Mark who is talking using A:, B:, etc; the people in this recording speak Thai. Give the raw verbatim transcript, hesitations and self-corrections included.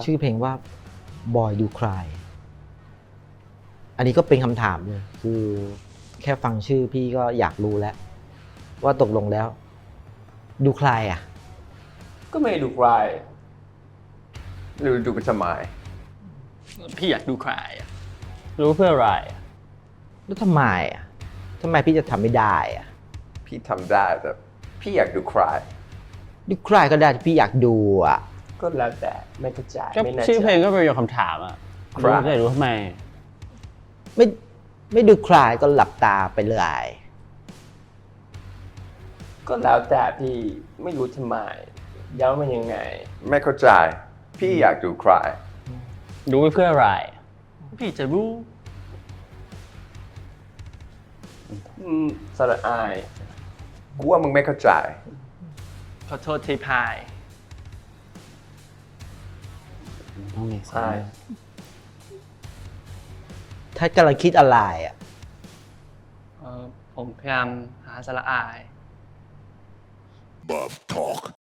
A: ชื่อเพลงว่า Boy Do Cry อันนี้ก็เป็นคำถามเลยคือแค่ฟังชื่อพี่ก็อยากรู้แล้ว ว่าตกลงแล้ว ดูใครอ่ะ
B: ก็ไม่ดูใครหรือดูเป็นสมัย
C: พี่อยากดูใครอะรู้เพื่ออะไรอะ
A: แล้วทำไมอ่ะทำไมพี่จะทำไม่ได้อ่ะ
B: พี่ทำได้แต่พี่อยากดูใคร
A: ดูใครก็ได้ที่พี่อยากดูอ่ะ
B: ก็แล้วแต่ไม่กระจาย
C: ก็
B: ไม่แน่ใจ
C: ชื่อเพลงก็เป็นคำถามอะ
B: ใคร
C: รู้จะรู้ทำไม
A: ไม่ไม่ดูใครก็หลับตาไปเลย
B: ก็แล้วแต่พี่ไม่รู้ทำไมย้ำมันยังไง ไม่เข้าใจพี่อยากดูใคร
C: รู้เพื่ออะไร พี่จะรู้
B: อืมสระอายกูว่ามึงไม่เข้าใจ
C: ขอโทษทีพาย
A: ต้องมี
B: ใช่
A: ถ้ากำลังคิดอะไรอ่ะ
C: เอ่อผมพยายามหาสาระอาย
D: Bob Talk.